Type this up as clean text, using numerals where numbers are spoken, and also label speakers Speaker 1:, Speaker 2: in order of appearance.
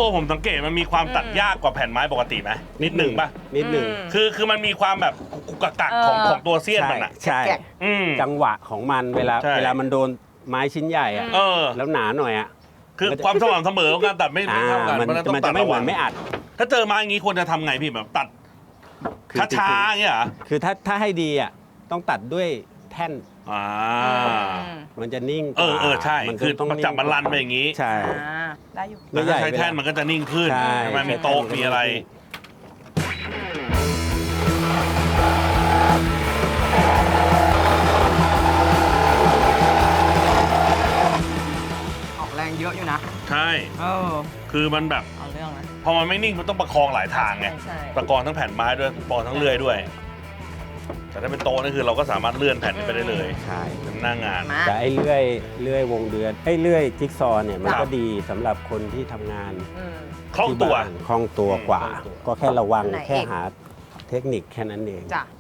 Speaker 1: ะผมสังเกตมันมีความตัดยากกว่าแผ่นไม้ปกติไหมนิดหนึ่งป่ะ
Speaker 2: นิดหนึ่ง
Speaker 1: คือมันมีความแบบกุกกักของตัวเสี้ยนมันอ่ะ
Speaker 2: ใช่ จังหวะของมันเวลามันโดนไม้ชิ้นใหญ่อะแล้วหนาหน่อยอะ
Speaker 1: คือความสม่ำเสมอของการตัดไม่เท่ากัน
Speaker 2: มันจะไม่เหมือนไม่อัด
Speaker 1: ถ้าเจอไม้อย่างนี้ควรจะทำไงพี่แบบตัดช้าๆอย่างเงี้ยเหรอ
Speaker 2: คือถ้าให้ดีอ่ะต้องตัดด้วยแท่นมันจะนิ่ง
Speaker 1: ใช่คือต้องจับมันรันไปอย่างนี้
Speaker 2: ใช่
Speaker 3: ได้อยู่
Speaker 1: แต่ถ้าใช้แท่นมันก็จะนิ่งขึ้นใช่ไหมมีโต๊ะมีอะไร
Speaker 3: ออกแรงเยอะอยู่นะ
Speaker 1: ใช่คือมันแบบ
Speaker 3: เอาเรื่องนะ
Speaker 1: พอมันไม่นิ่งมันต้องประคองหลายทางไงประคองทั้งแผ่นไม้ด้วยประคองทั้งเลื่อยด้วยแต่ถ้าเป็นโต๊ะนี่คือเราก็สามารถเลื่อนแผ่นนี้ไปได้เลย
Speaker 2: ใช่
Speaker 1: เป็นหน้างาน
Speaker 2: แต่ไอ้เลื่อยวงเดือนเลื่อยจิ๊กซอว์เนี่ยมันก็ดีสำหรับคนที่ทำงาน
Speaker 1: คล่องตัว
Speaker 2: กว่าก็แค่ระวังแค่หาเทคนิคแค่นั้นเอง